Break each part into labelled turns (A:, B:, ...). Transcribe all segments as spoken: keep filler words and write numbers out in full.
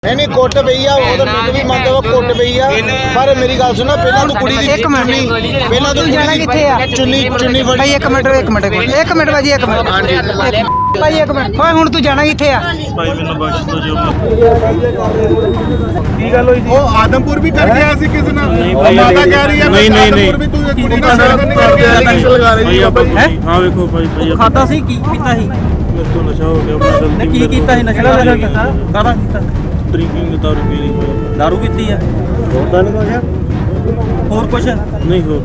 A: नहीं नहीं कुट पई आ वो तो मैं भी मानता वा कुट पई आ पर मेरी गल सुनो पहला तू कुड़ी दी
B: एक मिनट
A: पहला तू
B: जाना किथे आ
A: चुन्नी चुन्नी फड़ी
B: भाई एक मिनट एक मिनट एक मिनट भाजी एक मिनट
A: हां जी
B: भाई एक मिनट ओए हुन तू जाना किथे आ
C: भाई मैंने बख्श दो जो
D: ਕੀ ਗੱਲ ਹੋਈ ਜੀ ਉਹ ਆਦਮਪੁਰ ਵੀ ਕਰ ਗਿਆ ਸੀ ਕਿਸੇ ਨਾਲ
C: ਭਾਈ,
D: ਮਾਤਾ ਕਹਿ ਰਹੀ ਹੈ
C: ਨਹੀਂ, ਨਹੀਂ,
D: ਆਦਮਪੁਰ ਵੀ ਤੂੰ ਇਹ ਕੁੜੀ ਨਾਲ ਸੜਕ ਨਹੀਂ ਕਰਕੇ ਐਕਸ਼ਨ ਲਗਾ ਰਹੀ
C: भाई
D: ਹੈ
C: आप हाँ देखो भाई भाई
B: ਖਾਦਾ ਸੀ ਕੀ ਪੀਤਾ ਸੀ
C: मेरे तो नशा हो गया मैं गलती
B: ਕੀ ਕੀਤਾ ਸੀ ਨਸ਼ਾ ਵਗੈਰਾ ਕੀਤਾ ਕਾਹਦਾ ਕੀਤਾ
C: ड्रिंकिंग दारू पी रही भाई
B: ਦਾਰੂ ਪੀਤੀ ਆ
D: ਹੁੰਦਾ ਨਹੀਂ ਕੁਛ
B: ਹੋਰ ਕੁਛ
C: नहीं हो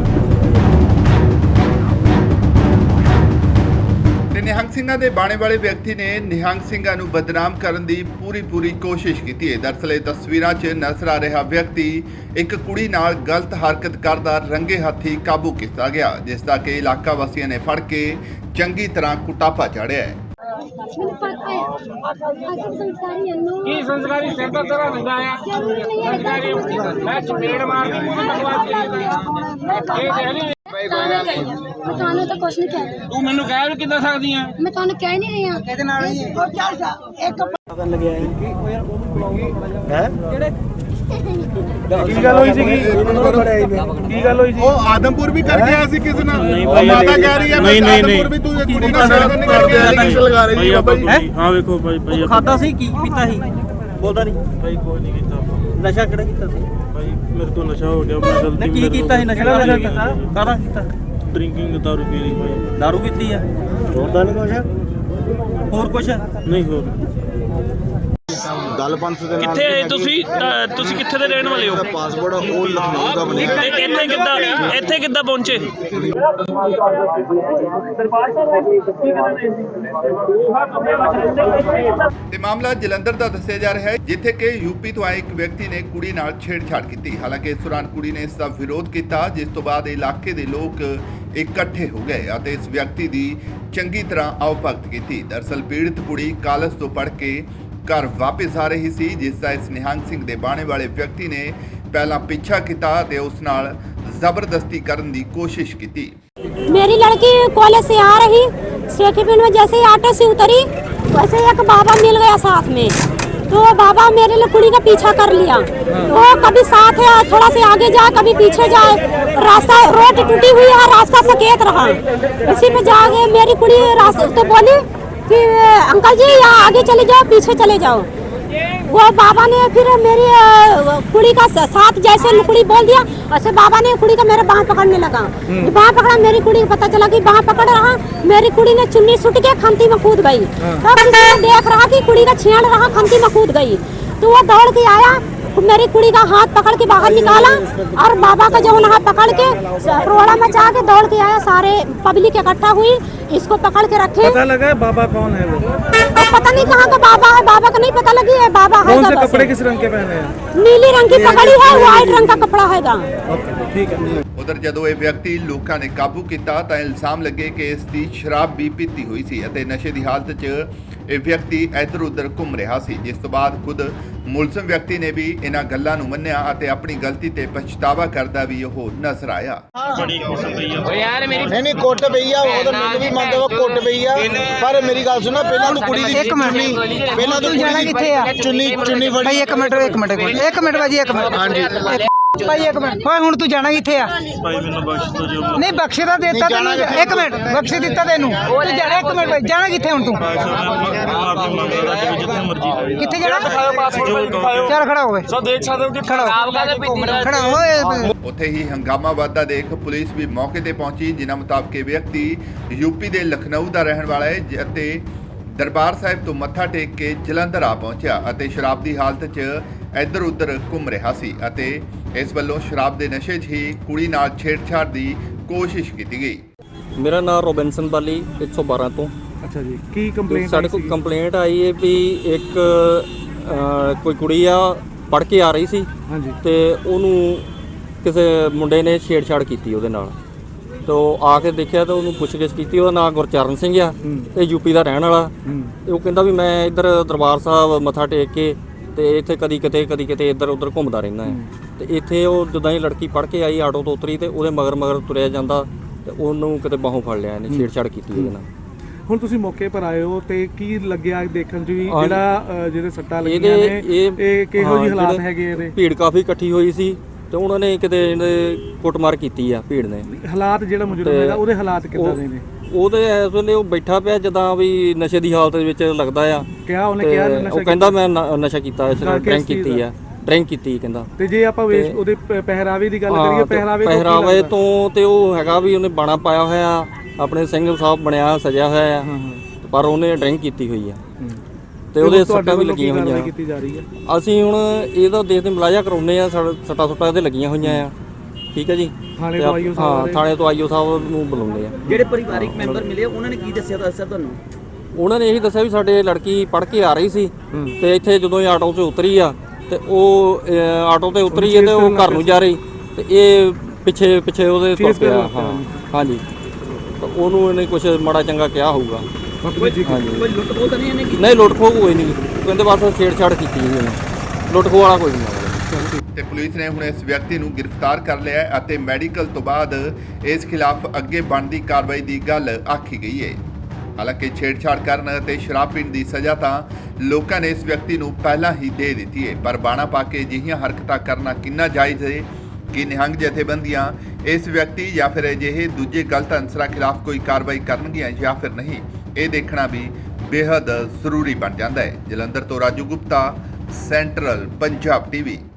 E: ਤੇ ਨਿਹੰਗ ਸਿੰਘਾਂ ਦੇ ਬਾਣੇ ਵਾਲੇ ਵਿਅਕਤੀ ਨੇ ਨਿਹੰਗ ਸਿੰਘਾਂ ਨੂੰ ਬਦਨਾਮ ਕਰਨ ਦੀ ਪੂਰੀ ਪੂਰੀ ਕੋਸ਼ਿਸ਼ ਕੀਤੀ ਹੈ। ਦਰਅਸਲ ਇਹ ਤਸਵੀਰਾਂ 'ਚ ਨਜ਼ਰ ਆ ਰਿਹਾ ਵਿਅਕਤੀ ਇੱਕ ਕੁੜੀ ਨਾਲ ਗਲਤ ਹਰਕਤ ਕਰਦਾ ਰੰਗੇ ਹੱਥੀ ਕਾਬੂ ਕੀਤਾ ਗਿਆ, ਜਿਸ ਦਾ ਕਿ ਇਲਾਕਾ ਵਾਸੀਆਂ ਨੇ ਫੜ ਕੇ ਚੰਗੀ ਤਰ੍ਹਾਂ ਕੁਟਾਪਾ ਚਾੜਿਆ ਹੈ।
F: ਮੈਨੂੰ ਪਤਾ ਹੈ ਅਸਲ ਸੰਸਕਾਰੀ ਇਹਨੂੰ
G: ਕੀ ਸੰਸਕਾਰੀ ਸਿਰ ਦਾ ਤੇਰਾ ਹੁੰਦਾ ਆ
F: ਜ਼ਰੂਰੀ ਨਹੀਂ ਹੈ
G: ਸੰਸਕਾਰੀ ਮੈਂ ਚਪੇੜ ਮਾਰਦੀ ਮੂੰਹ ਤੇ ਲਗਵਾ ਕੇ ਇਹ ਦੇਖ ਲਈ
F: ਮੈਂ ਤੁਹਾਨੂੰ ਤਾਂ ਕੁਛ ਨਹੀਂ ਕਹਿ ਰਹੀ
G: ਤੂੰ ਮੈਨੂੰ ਕਹਿ ਵੀ ਕਿੱਦਾਂ ਸਕਦੀ ਆ
F: ਮੈਂ ਤੁਹਾਨੂੰ ਕਹਿ ਨਹੀਂ ਰਹੀ ਹਾਂ
B: ਇਹਦੇ ਨਾਲ ਹੀ
F: ਉਹ ਚੱਲ ਜਾ ਇੱਕ
D: ਕੀ ਗੱਲ ਹੋਈ ਸੀਗੀ ਕੀ ਗੱਲ ਹੋਈ ਸੀ ਉਹ ਆਦਮਪੁਰ ਵੀ ਕਰ ਗਿਆ ਸੀ ਕਿਸੇ ਨਾਲ
C: नहीं
D: ਉਹ
C: भाई
D: ਮਾਤਾ ਕਹਿ ਰਹੀ ਹੈ
C: नहीं नहीं नहीं
D: ਆਦਮਪੁਰ ਵੀ ਤੂੰ ਇਹ ਕੁੜੀ ਨਾਲ ਸੜਕ ਨਹੀਂ ਕਰਕੇ ਐਕਸ਼ਨ ਲਗਾ ਰਹੀ
C: भाई
D: ਹੈ
C: आप हाँ देखो भाई भाई
B: ਖਾਦਾ ਸੀ ਕੀ ਪੀਤਾ ਸੀ ਬੋਲਦਾ ਨਹੀਂ
C: भाई कोई नहीं किया
B: ਨਸ਼ਾ ਕਿਹੜਾ ਕੀਤਾ ਸੀ
C: भाई मेरे तो नशा हो गया मैं गलती
B: ਕੀ ਕੀਤਾ ਸੀ ਨਸ਼ਾ ਵਗੈਰਾ ਕੀਤਾ ਕਾਹਦਾ ਕੀਤਾ
C: ड्रिंकिंग दारू पी रही भाई
B: ਦਾਰੂ ਪੀਤੀ ਆ
D: ਹੁੰਦਾ ਨਹੀਂ ਕੁਛ
B: ਹੋਰ ਕੁਛ
C: नहीं हो
A: गल पंथ दे नाल
H: ਕਿੱਥੇ ਆਏ ਤੁਸੀਂ ਤਾਂ ਤੁਸੀਂ ਕਿੱਥੇ ਦੇ ਰਹਿਣ ਵਾਲੇ ਹੋ
A: पासपोर्ट ਉਹ ਲਖਨਊ ਦਾ ਬਣਿਆ
H: ਤੇ ਇੱਥੇ ਕਿੱਦਾਂ ਇੱਥੇ ਕਿੱਦਾਂ ਪਹੁੰਚੇ
E: ਤੇ ਮਾਮਲਾ ਜਲੰਧਰ ਦਾ ਦੱਸਿਆ ਜਾ ਰਿਹਾ ਹੈ, ਜਿੱਥੇ ਕਿ ਯੂਪੀ ਤੋਂ ਆਏ ਇੱਕ ਵਿਅਕਤੀ ਨੇ ਕੁੜੀ ਨਾਲ ਛੇੜਛਾੜ ਕੀਤੀ। ਹਾਲਾਂਕਿ ਇਸ ਦੌਰਾਨ ਕੁੜੀ ਨੇ ਇਸ ਦਾ ਵਿਰੋਧ ਕੀਤਾ, ਜਿਸ ਤੋਂ ਬਾਅਦ ਇਲਾਕੇ ਦੇ ਲੋਕ ਇਕੱਠੇ ਹੋ ਗਏ ਅਤੇ ਇਸ ਵਿਅਕਤੀ ਦੀ ਚੰਗੀ ਤਰ੍ਹਾਂ ਆਉ-ਭਗਤ ਕੀਤੀ। ਦਰਅਸਲ ਪੀੜਤ ਕੁੜੀ ਕਾਲਜ ਤੋਂ ਪੜ੍ਹ ਕੇ ਘਰ ਵਾਪਸ ਆ ਰਹੀ ਸੀ, ਜਿਸ ਦਾ ਇਸ ਨਿਹੰਗ ਸਿੰਘ ਦੇ ਬਾਣੇ ਵਾਲੇ ਵਿਅਕਤੀ ਨੇ ਪਹਿਲਾਂ ਪਿੱਛਾ ਕੀਤਾ ਤੇ ਉਸ ਨਾਲ ਜ਼ਬਰਦਸਤੀ ਕਰਨ ਦੀ ਕੋਸ਼ਿਸ਼ ਕੀਤੀ।
F: मेरी लड़की कॉलेज से आ रही सेकेंड में जैसे ही ऑटो से उतरी वैसे एक बाबा मिल गया साथ में, तो बाबा मेरे लिए कुड़ी का पीछा कर लिया। वो कभी साथ है थोड़ा से आगे जाए कभी पीछे जाए, रास्ता रोड टूटी हुई है, रास्ता सकेत रहा। इसी में जाके मेरी कुड़ी रास्ते तो बोली कि अंकल जी यहाँ आगे चले जाओ पीछे चले जाओ। वो बाबा ने फिर मेरी कुड़ी का साथ जैसे कुड़ी बोल दिया वैसे बाबा ने कुड़ी का मेरा बाँह पकड़ने लगा। बाँह पकड़ा, मेरी कुड़ी को पता चला कि बाँह पकड़ रहा, मेरी कुड़ी ने चुन्नी सुट के खंती में कूद गई। तब किसी ने देख रहा कि कुड़ी का छेड़ रहा, खंती में कूद गई, तो वो दौड़ के आया, मेरी कुड़ी का हाथ पकड़ के बाहर निकाला और बाबा का जो हाथ पकड़ के रोड़ा मचा के दौड़ के आया। सारे पब्लिक इकट्ठा हुई, इसको पकड़ के रखे।
D: पता लगा बाबा कौन है वो
F: और पता नहीं कहाँ का बाबा है, बाबा का नहीं पता लगी है। बाबा है
D: कौन से कपड़े किस रंग के पहने हैं
F: नीली रंग की पगड़ी है, व्हाइट रंग का कपड़ा हैगा।
D: ओके ठीक है
E: ਉਧਰ ਜਦੋਂ ਇਹ ਵਿਅਕਤੀ ਲੋਕਾਂ ਨੇ ਕਾਬੂ ਕੀਤਾ ਤਾਂ ਇਲਜ਼ਾਮ ਲੱਗੇ ਕਿ ਇਸ ਦੀ ਸ਼ਰਾਬ ਵੀ ਪੀਤੀ ਹੋਈ ਸੀ ਅਤੇ ਨਸ਼ੇ ਦੀ ਹਾਲਤ 'ਚ ਇਹ ਵਿਅਕਤੀ ਇੱਧਰ ਉੱਧਰ ਘੁੰਮ ਰਿਹਾ ਸੀ, ਜਿਸ ਤੋਂ ਬਾਅਦ ਖੁਦ ਮੁਲਜ਼ਮ ਵਿਅਕਤੀ ਨੇ ਵੀ ਇਹਨਾਂ ਗੱਲਾਂ ਨੂੰ ਮੰਨਿਆ ਅਤੇ ਆਪਣੀ ਗਲਤੀ ਤੇ ਪਛਤਾਵਾ ਕਰਦਾ ਵੀ ਉਹ ਨਜ਼ਰ ਆਇਆ।
C: बड़ी किस्म गई है
G: ਓ ਯਾਰ ਮੇਰੀ
A: नहीं नहीं कुट पई आ वो तो मैं भी मानता वा कुट पई आ पर मेरी गल सुनो पहला तू कुड़ी दी
B: ਇੱਕ ਮਿੰਟ
A: पहला तू
B: ਜਾਣਾ ਕਿੱਥੇ ਆ
A: चुन्नी चुन्नी फड़ी
B: ਭਾਈ ਇੱਕ ਮਿੰਟ ਇੱਕ ਮਿੰਟ ਇੱਕ ਮਿੰਟ ਭਾਜੀ ਇੱਕ ਮਿੰਟ
A: हां जी
B: ਭਾਈ ਇੱਕ ਮਿੰਟ ਓਏ ਹੁਣ ਤੂੰ ਜਾਣਾ ਕਿੱਥੇ ਆ
C: भाई मैंने बख्श दो जो
B: ਨਹੀਂ ਬਖਸ਼ੇ ਤਾਂ ਦਿੱਤਾ ਤੈਨੂੰ ਇੱਕ ਮਿੰਟ ਬਖਸ਼ੇ ਦਿੱਤਾ ਤੈਨੂੰ ਤੂੰ ਜਾਣਾ ਇੱਕ ਮਿੰਟ ਭਾਈ ਜਾਣਾ ਕਿੱਥੇ ਹੁਣ ਤੂੰ
C: माफी मांग रहा था कि जितना मर्जी
B: ਕਿੱਥੇ ਜਾਣਾ ਚੱਲ ਖੜਾ ਹੋਵੇ ਸੋ ਦੇਖ ਸਕਦੇ ਹੋ ਕਿ ਖੜਾ ਹੋ ਖੜਾ ਹੋਏ
E: ਉੱਥੇ ਹੀ ਹੰਗਾਮਾ ਵੱਧਦਾ ਦੇਖ ਪੁਲਿਸ ਵੀ ਮੌਕੇ ਤੇ ਪਹੁੰਚੀ, ਜਿਨ੍ਹਾਂ ਮੁਤਾਬਕ ਇਹ ਵਿਅਕਤੀ ਯੂਪੀ ਦੇ ਲਖਨਊ ਦਾ ਰਹਿਣ ਵਾਲਾ ਹੈ ਅਤੇ ਦਰਬਾਰ ਸਾਹਿਬ ਤੋਂ ਮੱਥਾ ਟੇਕ ਕੇ ਜਲੰਧਰ ਆ ਪਹੁੰਚਿਆ ਅਤੇ ਸ਼ਰਾਬ ਦੀ ਹਾਲਤ 'ਚ ਇੱਧਰ ਉੱਧਰ ਘੁੰਮ ਰਿਹਾ ਸੀ ਅਤੇ ਇਸ ਵੱਲੋਂ ਸ਼ਰਾਬ ਦੇ ਨਸ਼ੇ 'ਚ ਹੀ ਕੁੜੀ ਨਾਲ ਛੇੜਛਾੜ ਦੀ ਕੋਸ਼ਿਸ਼ ਕੀਤੀ ਗਈ।
I: ਮੇਰਾ ਨਾਮ ਰੋਬਿਨਸਨ ਬਾਲੀ ਇੱਕ ਸੌ ਬਾਰਾਂ ਤੋਂ।
D: ਅੱਛਾ ਜੀ ਕੀ ਕੰਪਲੇਂਟ
I: ਸਾਡੇ ਕੋਲ ਕੰਪਲੇਂਟ ਆਈ ਹੈ ਵੀ ਇੱਕ ਅ, ਕੋਈ ਕੁੜੀ ਆ ਪੜ੍ਹ ਕੇ ਆ ਰਹੀ ਸੀ
D: ਹਾਂਜੀ
I: ਤੇ ਉਹਨੂੰ ਕਿਸੇ ਮੁੰਡੇ ਨੇ ਛੇੜਛਾੜ ਕੀਤੀ ਉਹਦੇ ਨਾਲ, ਤੇ ਉਹ ਆ ਕੇ ਦੇਖਿਆ ਤਾਂ ਉਹਨੂੰ ਪੁੱਛਗਿੱਛ ਕੀਤੀ। ਉਹਦਾ ਨਾਮ ਗੁਰਚਰਨ ਸਿੰਘ ਆ, ਇਹ ਯੂਪੀ ਦਾ ਰਹਿਣ ਵਾਲਾ। ਤੇ ਉਹ ਕਹਿੰਦਾ ਵੀ ਮੈਂ ਇੱਧਰ ਦਰਬਾਰ ਸਾਹਿਬ ਮੱਥਾ ਟੇਕ ਕੇ ਤੇ ਇੱਥੇ ਕਦੀ ਕਿਤੇ ਕਦੀ ਕਿਤੇ ਇੱਧਰ ਉੱਧਰ ਘੁੰਮਦਾ ਰਹਿੰਦਾ ਹੈ। ਤੇ ਇੱਥੇ ਉਹ ਜਦੋਂ ਹੀ ਲੜਕੀ ਪੜ੍ਹ ਕੇ ਆਈ ਆਟੋ ਤੋਂ ਉਤਰੀ ਤੇ ਉਹਦੇ ਮਗਰ ਮਗਰ ਤੁਰਿਆ ਜਾਂਦਾ ਤੇ ਉਹਨੂੰ ਕਿਤੇ ਬਾਹੋਂ ਫੜ ਲਿਆ ਇਹਨੇ, ਛੇੜਛਾੜ ਕੀਤੀ ਉਹਦੇ ਨਾਲ।
D: ਹੁਣ ਤੁਸੀਂ ਮੌਕੇ ਪਰ ਆਏ ਹੋ ਤੇ ਕੀ ਲੱਗਿਆ ਦੇਖਣ 'ਚ ਵੀ
I: ਹਾਂ।
D: ਜਿਹੜਾ ਅ, ਜਿਹਦੇ ਸੱਟਾਂ ਲੱਗੀਆਂ
I: ਇਹਦੇ
D: ਨੇ
I: ਇਹ
D: ਇਹ ਕਿਹੋ ਜਿਹੇ
I: ਹਾਂ,
D: ਹਾਲਾਤ
I: ਜਿਹੜੇ
D: ਹੈਗੇ ਇਹਦੇ
I: ਭੀੜ ਕਾਫੀ ਇਕੱਠੀ ਹੋਈ ਸੀ ਤੇ ਉਹਨਾਂ ਨੇ ਕਿਤੇ ਇਹਦੇ ਕੁੱਟਮਾਰ ਕੀਤੀ ਆ ਭੀੜ ਨੇ।
D: ਹਾਲਾਤ ਜਿਹੜਾ ਮੁਜਰਮ
I: ਤੇ
D: ਹੈਗਾ ਉਹਦੇ ਹਾਲਾਤ ਕਿੱਦਾਂ
I: ਉਹ-
D: ਦੇ ਨੇ?
I: ਉਹਦੇ ਇਸ ਵੇਲੇ ਉਹ ਬੈਠਾ ਪਿਆ ਜਦਾਂ ਵੀ ਨਸ਼ੇ ਦੀ ਹਾਲਤ ਦੇ ਵਿੱਚ ਲੱਗਦਾ ਆ।
D: ਕਿਹਾ ਉਹਨੇ
I: ਤੇ
D: ਕਿਹਾ ਨਸ਼ਾ
I: ਉਹ ਕਹਿੰਦਾ ਮੈਂ ਨ- ਨਸ਼ਾ ਕੀਤਾ ਇਸ
D: ਕਰਕੇ
I: ਡਰਿੰਕ
D: ਇਸ ਚੀਜ਼
I: ਕੀਤੀ
D: ਦਾ।
I: ਆ ਡਰਿੰਕ ਕੀਤੀ ਕਹਿੰਦਾ।
D: ਤੇ ਜੇ ਆਪਾਂ ਵੇਸ਼
I: ਤੇ-
D: ਉਹਦੇ ਪ- ਪਹਿਰਾਵੇ ਦੀ ਗੱਲ
I: ਹਾਂ,
D: ਕਰੀਏ
I: ਤੇ
D: ਪਹਿਰਾਵੇ ਤੋਂ ਕੀ
I: ਪਹਿਰਾਵੇ
D: ਲੱਗਦਾ?
I: ਤੋਂ ਤੇ ਉਹ ਹੈਗਾ ਵੀ ਉਹਨੇ ਬਾਣਾ ਪਾਇਆ ਹੋਇਆ ਆਪਣੇ ਸਿੰਘ ਸਾਹਿਬ ਬਣਿਆ ਸਜਿਆ ਹੋਇਆ ਆ,
D: ਹਾਂ ਹਾਂ
I: ਪਰ ਉਹਨੇ ਡਰਿੰਕ ਕੀਤੀ ਹੋਈ ਆ
D: ਹੂੰ।
I: ਤੇ ਉਹਦੇ
D: ਤੁਹਾਡੇ
I: ਸੱਟਾਂ ਵੀ
D: ਵੱਲੋਂ ਕੀ
I: ਲੱਗੀਆਂ
D: ਕਾਰਵਾਈ
I: ਹੋਈਆਂ।
D: ਕੀਤੀ ਜਾ ਰਹੀ ਹੈ?
I: ਅਸੀਂ ਹੁਣ ਇਹਦਾ ਦੇਖਦੇ ਮੁਲਾਜ਼ਾ ਕਰਾਉਨੇ ਆ ਸੱਟਾਂ ਸੁੱਟਾਂ ਇਹਦੇ ਲੱਗੀਆਂ ਹੋਈਆਂ ਆ। ਠੀਕ ਹੈ ਜੀ।
D: ਥਾਣੇ
I: ਤੇ
D: ਤੋਂ
I: ਆਪ-
D: ਆਈਓ ਸਾਹਿਬ
I: ਹਾਂ
D: ਬਾਰੇ?
I: ਥਾਣੇ ਤੋਂ ਆਈਓ ਸਾਹਿਬ ਨੂੰ ਬੁਲਾਉਂਦੇ ਆ।
B: ਜਿਹੜੇ ਪਰਿਵਾਰਿਕ ਮੈਂਬਰ ਮਿਲੇ ਉਹਨਾਂ ਨੇ ਕੀ ਦੱਸਿਆ ਦੱਸਿਆ ਤੁਹਾਨੂੰ?
I: ਉਹਨਾਂ ਨੇ ਇਹੀ ਦੱਸਿਆ ਵੀ ਸਾਡੇ ਲੜਕੀ ਪੜ੍ਹ ਕੇ ਆ ਰਹੀ ਸੀ ਤੇ ਇੱਥੇ ਜਦੋਂ ਇਹ ਆਟੋ 'ਚ ਉਤਰੀ ਆ ਤੇ ਉਹ ਅਹ, ਆਟੋ ਤੇ ਉਤਰੀ ਹੈ ਤੇ ਉਹ ਘਰ ਨੂੰ ਜਾ ਰਹੀ ਤੇ ਇਹ ਪਿੱਛੇ ਪਿੱਛੇ ਉਹਦੇ ਤੁਰ
D: ਚੇਸ ਕਰਨ
I: ਪਿਆ।
D: ਲੱਗ ਪਿਆ।
I: ਹਾਂ ਹਾਂਜੀ ਤਾਂ ਉਹਨੂੰ ਇਹਨੇ ਕੁਝ ਮਾੜਾ ਚੰਗਾ ਕਿਹਾ ਹੋਊਗਾ।
D: ਬਦਤਮੀਜ਼ੀ ਕੀਤੀ।
I: ਹਾਂਜੀ
B: ਕੋਈ ਲੁੱਟ ਖੋਹ ਤਾਂ ਨਹੀਂ ਇਹਨੇ ਕੀਤੀ?
I: ਨਹੀਂ ਲੁੱਟ ਖੋਹ ਕੋਈ ਨਹੀਂ ਕਹਿੰਦੇ ਬਸ ਛੇੜਛਾੜ ਕੀਤੀ ਜੀ ਉਹਨੇ ਲੁੱਟ ਖੋਹ ਵਾਲਾ ਕੋਈ ਨਹੀਂ।
E: ਤੇ ਪੁਲਿਸ ਨੇ ਹੁਣ ਇਸ ਵਿਅਕਤੀ ਨੂੰ ਗ੍ਰਿਫਤਾਰ ਕਰ ਲਿਆ ਹੈ ਅਤੇ ਮੈਡੀਕਲ ਤੋਂ ਬਾਅਦ ਇਸ ਖਿਲਾਫ ਅੱਗੇ ਬਣਦੀ ਕਾਰਵਾਈ ਦੀ ਗੱਲ ਆਖੀ ਗਈ ਹੈ। ਹਾਲਾਂਕਿ ਛੇੜਛਾੜ ਕਰਨ ਅਤੇ ਸ਼ਰਾਬ ਪੀਣ ਦੀ ਸਜ਼ਾ ਤਾਂ ਲੋਕਾਂ ਨੇ ਇਸ ਵਿਅਕਤੀ ਨੂੰ ਪਹਿਲਾਂ ਹੀ ਦੇ ਦਿੱਤੀ ਹੈ, ਪਰ ਬਾਣਾ ਪਾ ਕੇ ਅਜਿਹੀਆਂ ਹਰਕਤਾਂ ਕਰਨਾ ਕਿੰਨਾ ਜਾਇਜ਼ ਹੈ ਕਿ ਨਿਹੰਗ ਜਥੇਬੰਦੀਆਂ ਇਸ ਵਿਅਕਤੀ ਜਾਂ ਫਿਰ ਅਜਿਹੇ ਦੂਜੇ ਗਲਤ ਅਨਸਰਾਂ ਖਿਲਾਫ ਕੋਈ ਕਾਰਵਾਈ ਕਰਨਗੀਆਂ ਜਾਂ ਫਿਰ ਨਹੀਂ, ਇਹ ਦੇਖਣਾ ਵੀ ਬੇहद ਜ਼ਰੂਰੀ ਬਣ ਜਾਂਦਾ ਹੈ। ਜਲੰਧਰ ਤੋਂ ਰਾਜੂ ਗੁਪਤਾ, ਸੈਂਟਰਲ ਪੰਜਾਬ ਟੀਵੀ।